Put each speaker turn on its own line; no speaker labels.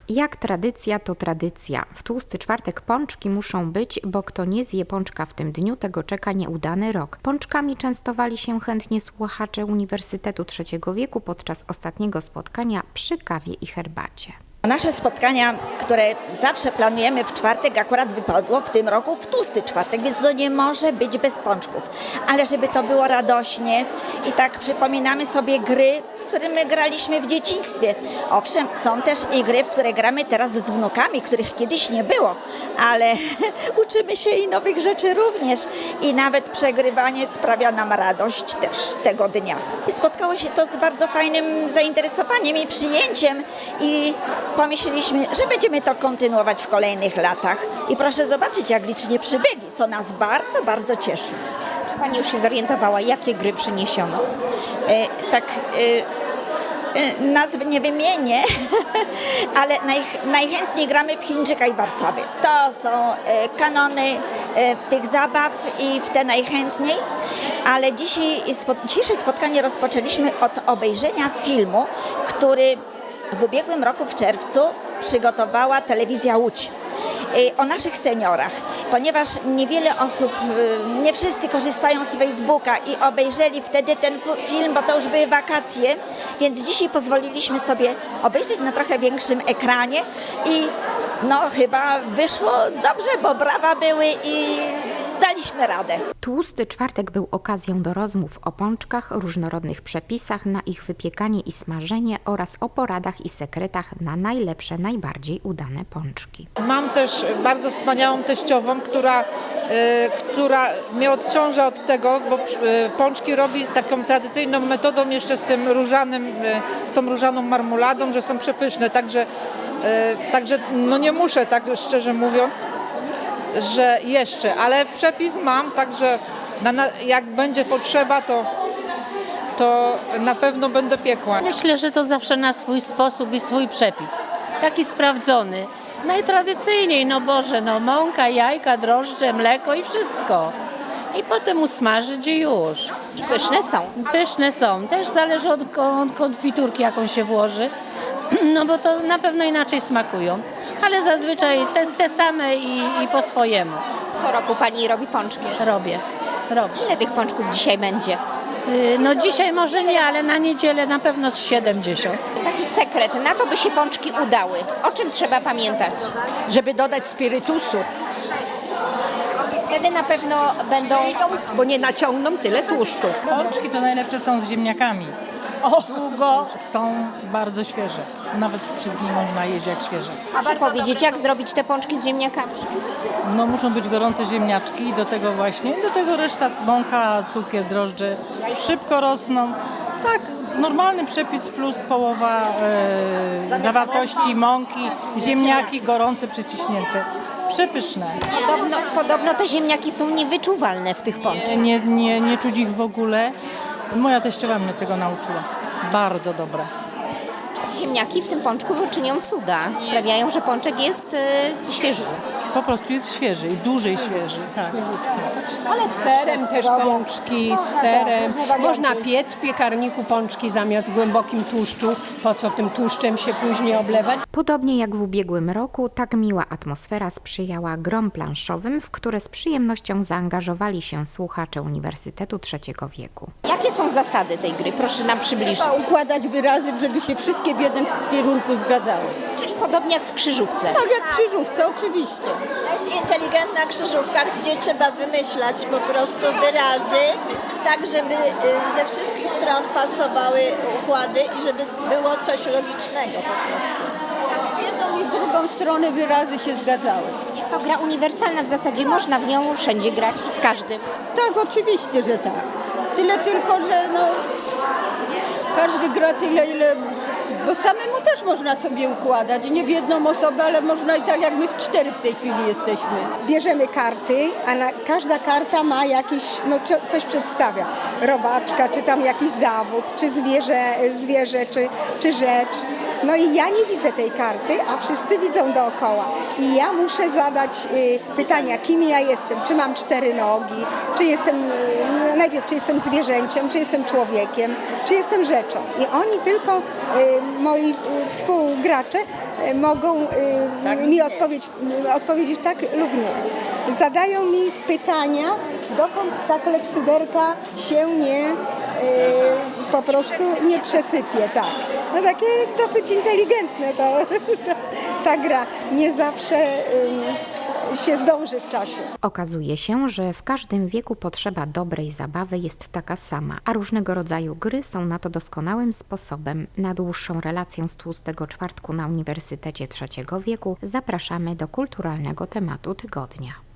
Jak tradycja, to tradycja. W tłusty czwartek pączki muszą być, bo kto nie zje pączka w tym dniu, tego czeka nieudany rok. Pączkami częstowali się chętnie słuchacze Uniwersytetu Trzeciego Wieku podczas ostatniego spotkania przy kawie i herbacie.
Nasze spotkania, które zawsze planujemy w czwartek, akurat wypadło w tym roku w tłusty czwartek, więc to nie może być bez pączków. Ale żeby to było radośnie i tak przypominamy sobie gry, w które my graliśmy w dzieciństwie. Owszem, są też i gry, w które gramy teraz z wnukami, których kiedyś nie było, ale uczymy się i nowych rzeczy również. I nawet przegrywanie sprawia nam radość też tego dnia. Spotkało się to z bardzo fajnym zainteresowaniem i przyjęciem i pomyśleliśmy, że będziemy to kontynuować w kolejnych latach. I proszę zobaczyć, jak licznie przybyli, co nas bardzo, bardzo cieszy.
Czy Pani już się zorientowała, jakie gry przyniesiono?
Nazwy nie wymienię, ale najchętniejszej gramy w Chińczyka i Warcaby. To są kanony tych zabaw i w te najchętniej, ale dzisiejsze spotkanie rozpoczęliśmy od obejrzenia filmu, który w ubiegłym roku w czerwcu przygotowała Telewizja Łódź o naszych seniorach, ponieważ niewiele osób, nie wszyscy korzystają z Facebooka i obejrzeli wtedy ten film, bo to już były wakacje, więc dzisiaj pozwoliliśmy sobie obejrzeć na trochę większym ekranie i no chyba wyszło dobrze, bo brawa były i daliśmy radę.
Tłusty czwartek był okazją do rozmów o pączkach, różnorodnych przepisach na ich wypiekanie i smażenie oraz o poradach i sekretach na najlepsze, najbardziej udane pączki.
Mam też bardzo wspaniałą teściową, która mnie odciąża od tego, bo pączki robi taką tradycyjną metodą jeszcze z tym różanym, z tą różaną marmoladą, że są przepyszne, także no nie muszę, tak szczerze mówiąc, że jeszcze, ale przepis mam, także jak będzie potrzeba, to na pewno będę piekła.
Myślę, że to zawsze na swój sposób i swój przepis. Taki sprawdzony. Najtradycyjniej, no Boże, no mąka, jajka, drożdże, mleko i wszystko. I potem usmażyć i już.
I pyszne są.
Pyszne są. Też zależy od konfiturki, jaką się włoży. No bo to na pewno inaczej smakują. Ale zazwyczaj te same i po swojemu.
Po roku Pani robi pączki.
Robię.
Ile tych pączków dzisiaj będzie?
No dzisiaj może nie, ale na niedzielę na pewno z 70.
Taki sekret, na to by się pączki udały. O czym trzeba pamiętać?
Żeby dodać spirytusu,
Wtedy na pewno będą...
bo nie naciągną tyle tłuszczu.
Pączki to najlepsze są z ziemniakami. Długo są bardzo świeże. Nawet 3 dni można jeść jak świeże.
Proszę powiedzieć, jak zrobić te pączki z ziemniakami?
No muszą być gorące ziemniaczki i do tego reszta mąka, cukier, drożdże. Szybko rosną. Tak, normalny przepis plus połowa zawartości mąki, ziemniaki gorące, przeciśnięte. Przepyszne.
Podobno te ziemniaki są niewyczuwalne w tych pączkach.
Nie czuć ich w ogóle. Moja teściowa mnie tego nauczyła. Bardzo dobre.
Ziemniaki w tym pączku czynią cuda. Sprawiają, że pączek jest świeży.
Po prostu jest świeży i dłużej świeży. Tak.
Ale z serem też pączki, z serem. Można piec w piekarniku pączki zamiast w głębokim tłuszczu. Po co tym tłuszczem się później oblewać?
Podobnie jak w ubiegłym roku, tak miła atmosfera sprzyjała grom planszowym, w które z przyjemnością zaangażowali się słuchacze Uniwersytetu Trzeciego Wieku. Jakie są zasady tej gry? Proszę nam przybliżyć.
Trzeba układać wyrazy, żeby się wszystkie w jednym kierunku zgadzały.
Czyli podobnie jak w krzyżówce.
Tak jak w krzyżówce, oczywiście.
To jest inteligentna krzyżówka, gdzie trzeba wymyślać po prostu wyrazy, tak żeby ze wszystkich stron pasowały układy i żeby było coś logicznego po prostu.
W jedną i w drugą stronę wyrazy się zgadzały.
Jest to gra uniwersalna, w zasadzie można w nią wszędzie grać i z każdym.
Tak, oczywiście, że tak. Tyle tylko, że każdy gra tyle, ile... Bo samemu też można sobie układać, nie w jedną osobę, ale można i tak jak my w 4 w tej chwili jesteśmy.
Bierzemy karty, a każda karta ma jakiś, coś przedstawia. Robaczka, czy tam jakiś zawód, czy zwierzę czy rzecz. No i ja nie widzę tej karty, a wszyscy widzą dookoła. I ja muszę zadać pytania, kim ja jestem, czy mam 4 nogi, czy jestem najpierw czy jestem zwierzęciem, czy jestem człowiekiem, czy jestem rzeczą. I oni tylko, moi współgracze, mogą mi odpowiedzieć tak lub nie. Zadają mi pytania, dokąd ta klepsyderka się po prostu nie przesypie. Tak. No takie dosyć inteligentne ta gra. Nie zawsze się zdąży w czasie.
Okazuje się, że w każdym wieku potrzeba dobrej zabawy jest taka sama, a różnego rodzaju gry są na to doskonałym sposobem. Na dłuższą relację z Tłustego Czwartku na Uniwersytecie III wieku zapraszamy do kulturalnego tematu tygodnia.